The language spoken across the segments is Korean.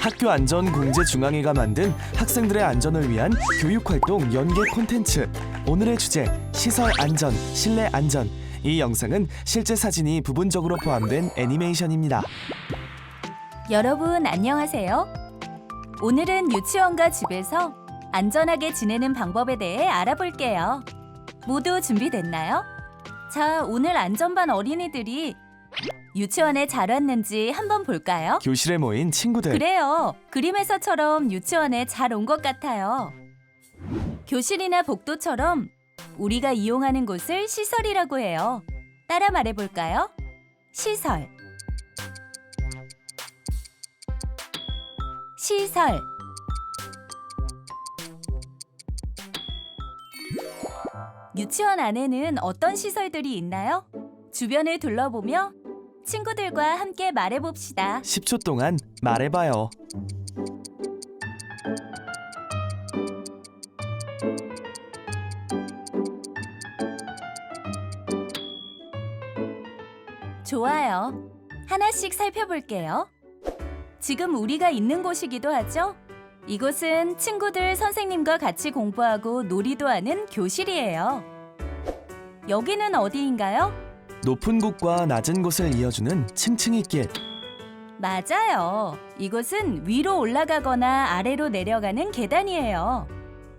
학교안전공제중앙회가 만든 학생들의 안전을 위한 교육활동 연계 콘텐츠. 오늘의 주제, 시설 안전, 실내 안전. 이 영상은 실제 사진이 부분적으로 포함된 애니메이션입니다. 여러분 안녕하세요. 오늘은 유치원과 집에서 안전하게 지내는 방법에 대해 알아볼게요. 모두 준비됐나요? 자, 오늘 안전반 어린이들이 유치원에 잘 왔는지 한번 볼까요? 교실에 모인 친구들. 그래요. 그림에서처럼 유치원에 잘 온 것 같아요. 교실이나 복도처럼 우리가 이용하는 곳을 시설이라고 해요. 따라 말해볼까요? 시설. 시설. 유치원 안에는 어떤 시설들이 있나요? 주변을 둘러보며 친구들과 함께 말해봅시다. 10초 동안 말해봐요. 좋아요. 하나씩 살펴볼게요. 지금 우리가 있는 곳이기도 하죠? 이곳은 친구들 선생님과 같이 공부하고 놀이도 하는 교실이에요. 여기는 어디인가요? 높은 곳과 낮은 곳을 이어주는 층층이 길. 맞아요. 이곳은 위로 올라가거나 아래로 내려가는 계단이에요.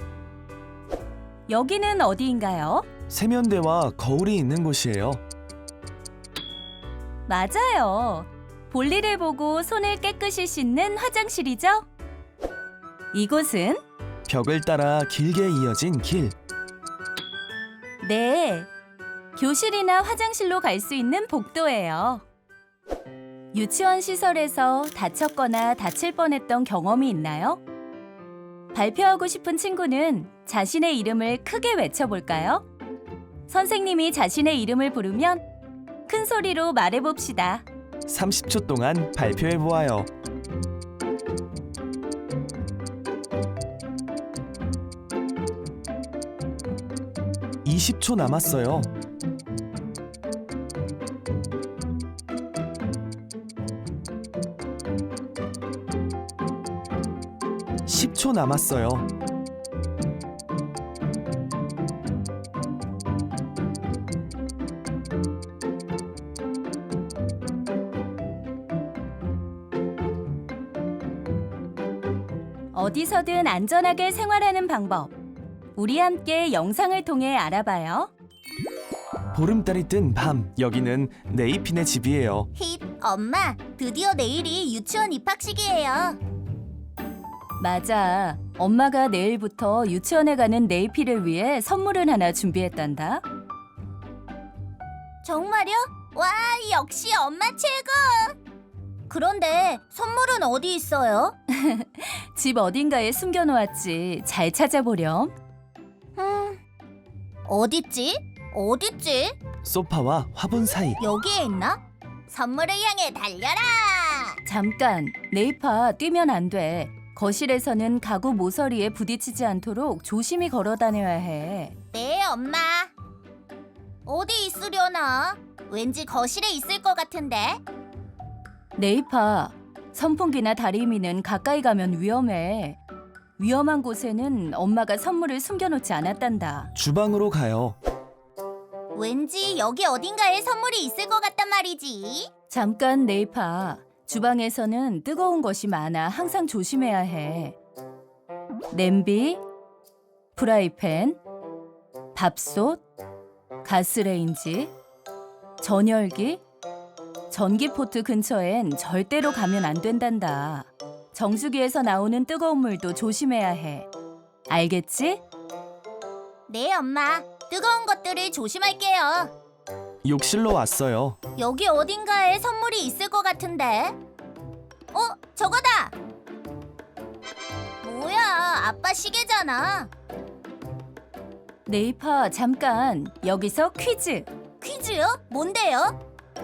여기는 어디인가요? 세면대와 거울이 있는 곳이에요. 맞아요. 볼일을 보고 손을 깨끗이 씻는 화장실이죠? 이곳은? 벽을 따라 길게 이어진 길. 네. 교실이나 화장실로 갈 수 있는 복도예요. 유치원 시설에서 다쳤거나 다칠 뻔했던 경험이 있나요? 발표하고 싶은 친구는 자신의 이름을 크게 외쳐볼까요? 선생님이 자신의 이름을 부르면 큰 소리로 말해봅시다. 30초 동안 발표해보아요. (20초) 남았어요. (10초) 남았어요. 어디서든 안전하게 생활하는 방법. 우리 함께 영상을 통해 알아봐요. 보름달이 뜬 밤, 여기는 네이핀의 집이에요. 힙, 엄마, 드디어 내일이 유치원 입학식이에요. 맞아. 엄마가 내일부터 유치원에 가는 네이피를 위해 선물을 하나 준비했단다. 정말요? 와, 역시 엄마 최고! 그런데 선물은 어디 있어요? 집 어딘가에 숨겨놓았지. 잘 찾아보렴. 어딨지? 어딨지? 소파와 화분 사이. 여기에 있나? 선물을 향해 달려라! 잠깐, 네이파 뛰면 안 돼. 거실에서는 가구 모서리에 부딪히지 않도록 조심히 걸어 다녀야 해. 네, 엄마. 어디 있으려나? 왠지 거실에 있을 것 같은데. 네이파, 선풍기나 다리미는 가까이 가면 위험해. 위험한 곳에는 엄마가 선물을 숨겨놓지 않았단다. 주방으로 가요. 왠지 여기 어딘가에 선물이 있을 것 같단 말이지. 잠깐, 네이파. 주방에서는 뜨거운 것이 많아 항상 조심해야 해. 냄비, 프라이팬, 밥솥, 가스레인지, 전열기, 전기포트 근처엔 절대로 가면 안 된단다. 정수기에서 나오는 뜨거운 물도 조심해야 해. 알겠지? 네, 엄마. 뜨거운 것들을 조심할게요. 욕실로 왔어요. 여기 어딘가에 선물이 있을 것 같은데. 저거다! 뭐야, 아빠 시계잖아. 네이파, 잠깐. 여기서 퀴즈. 퀴즈요? 뭔데요?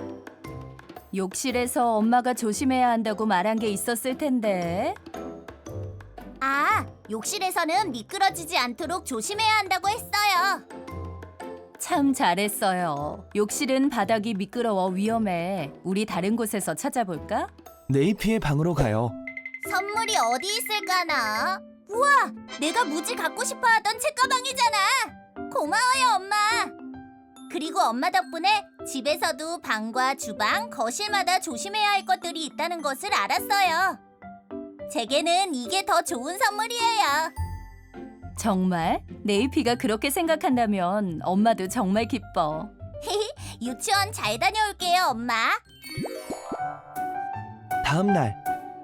욕실에서 엄마가 조심해야 한다고 말한 게 있었을 텐데. 아, 욕실에서는 미끄러지지 않도록 조심해야 한다고 했어요. 참 잘했어요. 욕실은 바닥이 미끄러워 위험해. 우리 다른 곳에서 찾아볼까? 네이피의 방으로 가요. 선물 선물이 어디 있을까나? 우와, 내가 무지 갖고 싶어 하던 책가방이잖아. 고마워요, 엄마. 그리고 엄마 덕분에 집에서도 방과 주방, 거실마다 조심해야 할 것들이 있다는 것을 알았어요. 제게는 이게 더 좋은 선물이에요. 정말? 네이피가 그렇게 생각한다면 엄마도 정말 기뻐. 유치원 잘 다녀올게요, 엄마. 다음 날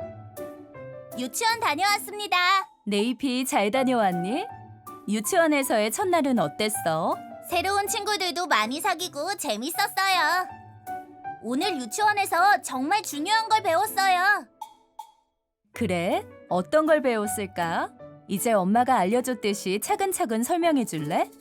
유치원 다녀왔습니다. 네이피 잘 다녀왔니? 유치원에서의 첫날은 어땠어? 새로운 친구들도 많이 사귀고 재밌었어요. 오늘 유치원에서 정말 중요한 걸 배웠어요. 그래? 어떤 걸 배웠을까? 이제 엄마가 알려줬듯이 차근차근 설명해 줄래?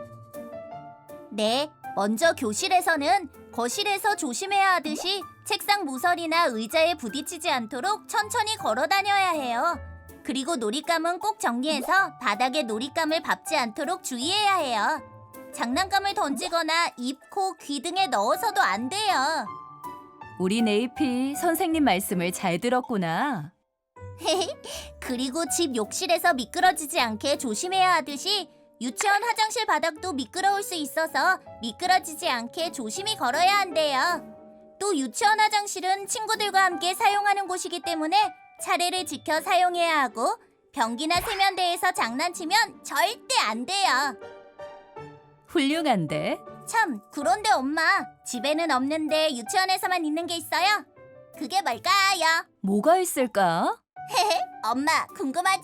네, 먼저 교실에서는 거실에서 조심해야 하듯이 책상 모서리나 의자에 부딪히지 않도록 천천히 걸어 다녀야 해요. 그리고 놀잇감은 꼭 정리해서 바닥에 놀잇감을 밟지 않도록 주의해야 해요. 장난감을 던지거나 입, 코, 귀 등에 넣어서도 안 돼요. 우리 네이피 선생님 말씀을 잘 들었구나. 그리고 집 욕실에서 미끄러지지 않게 조심해야 하듯이 유치원 화장실 바닥도 미끄러울 수 있어서 미끄러지지 않게 조심히 걸어야 한대요. 또 유치원 화장실은 친구들과 함께 사용하는 곳이기 때문에 차례를 지켜 사용해야 하고 변기나 세면대에서 장난치면 절대 안 돼요. 훌륭한데? 참, 그런데 엄마, 집에는 없는데 유치원에서만 있는 게 있어요? 그게 뭘까요? 뭐가 있을까? 엄마, 궁금하죠?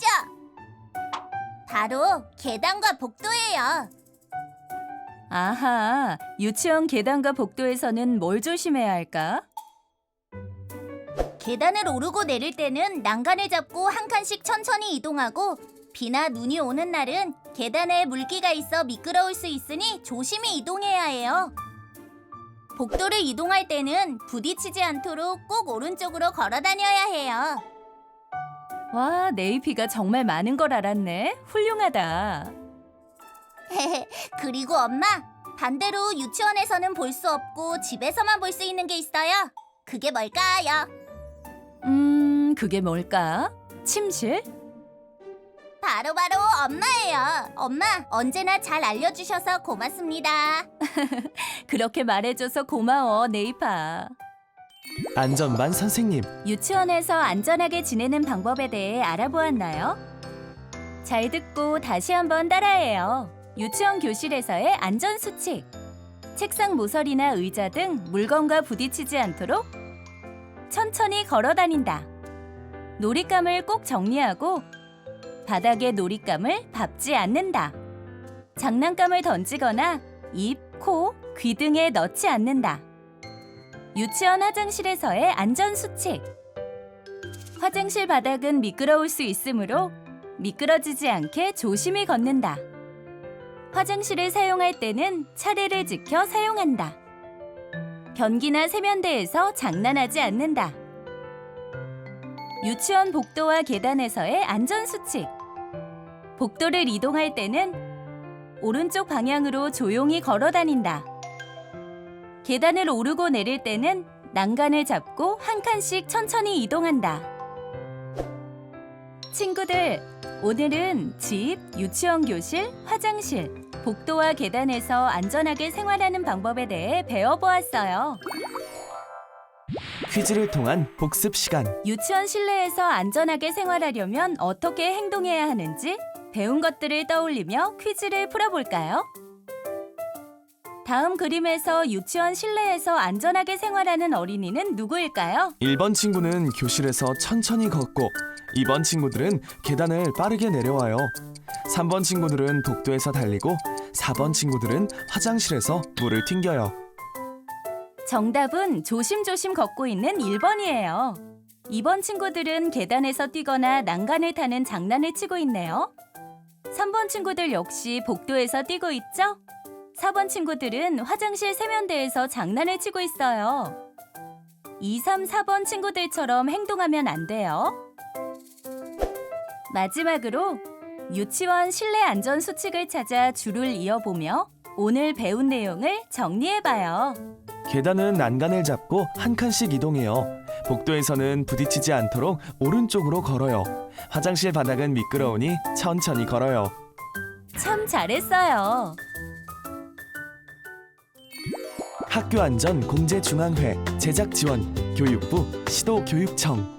바로 계단과 복도예요. 아하, 유치원 계단과 복도에서는 뭘 조심해야 할까? 계단을 오르고 내릴 때는 난간을 잡고 한 칸씩 천천히 이동하고 비나 눈이 오는 날은 계단에 물기가 있어 미끄러울 수 있으니 조심히 이동해야 해요. 복도를 이동할 때는 부딪히지 않도록 꼭 오른쪽으로 걸어 다녀야 해요. 와, 네이피가 정말 많은 걸 알았네. 훌륭하다. 그리고 엄마, 반대로 유치원에서는 볼 수 없고 집에서만 볼 수 있는 게 있어요. 그게 뭘까요? 그게 뭘까? 침실? 바로 엄마예요. 엄마, 언제나 잘 알려주셔서 고맙습니다. 그렇게 말해줘서 고마워, 네이파. 안전반 선생님. 유치원에서 안전하게 지내는 방법에 대해 알아보았나요? 잘 듣고 다시 한번 따라해요. 유치원 교실에서의 안전수칙. 책상 모서리나 의자 등 물건과 부딪히지 않도록 천천히 걸어 다닌다. 놀잇감을 꼭 정리하고 바닥에 놀잇감을 밟지 않는다. 장난감을 던지거나 입, 코, 귀 등에 넣지 않는다. 유치원 화장실에서의 안전수칙. 화장실 바닥은 미끄러울 수 있으므로 미끄러지지 않게 조심히 걷는다. 화장실을 사용할 때는 차례를 지켜 사용한다. 변기나 세면대에서 장난하지 않는다. 유치원 복도와 계단에서의 안전수칙. 복도를 이동할 때는 오른쪽 방향으로 조용히 걸어 다닌다. 계단을 오르고 내릴 때는 난간을 잡고 한 칸씩 천천히 이동한다. 친구들, 오늘은 집, 유치원 교실, 화장실, 복도와 계단에서 안전하게 생활하는 방법에 대해 배워보았어요. 퀴즈를 통한 복습 시간. 유치원 실내에서 안전하게 생활하려면 어떻게 행동해야 하는지 배운 것들을 떠올리며 퀴즈를 풀어볼까요? 다음 그림에서 유치원 실내에서 안전하게 생활하는 어린이는 누구일까요? 1번 친구는 교실에서 천천히 걷고 2번 친구들은 계단을 빠르게 내려와요. 3번 친구들은 복도에서 달리고 4번 친구들은 화장실에서 물을 튕겨요. 정답은 조심조심 걷고 있는 1번이에요. 2번 친구들은 계단에서 뛰거나 난간을 타는 장난을 치고 있네요. 3번 친구들 역시 복도에서 뛰고 있죠? 4번 친구들은 화장실 세면대에서 장난을 치고 있어요. 2, 3, 4번 친구들처럼 행동하면 안 돼요. 마지막으로 유치원 실내 안전 수칙을 찾아 줄을 이어보며 오늘 배운 내용을 정리해봐요. 계단은 난간을 잡고 한 칸씩 이동해요. 복도에서는 부딪히지 않도록 오른쪽으로 걸어요. 화장실 바닥은 미끄러우니 천천히 걸어요. 참 잘했어요. 학교안전 공제중앙회 제작지원 교육부 시도교육청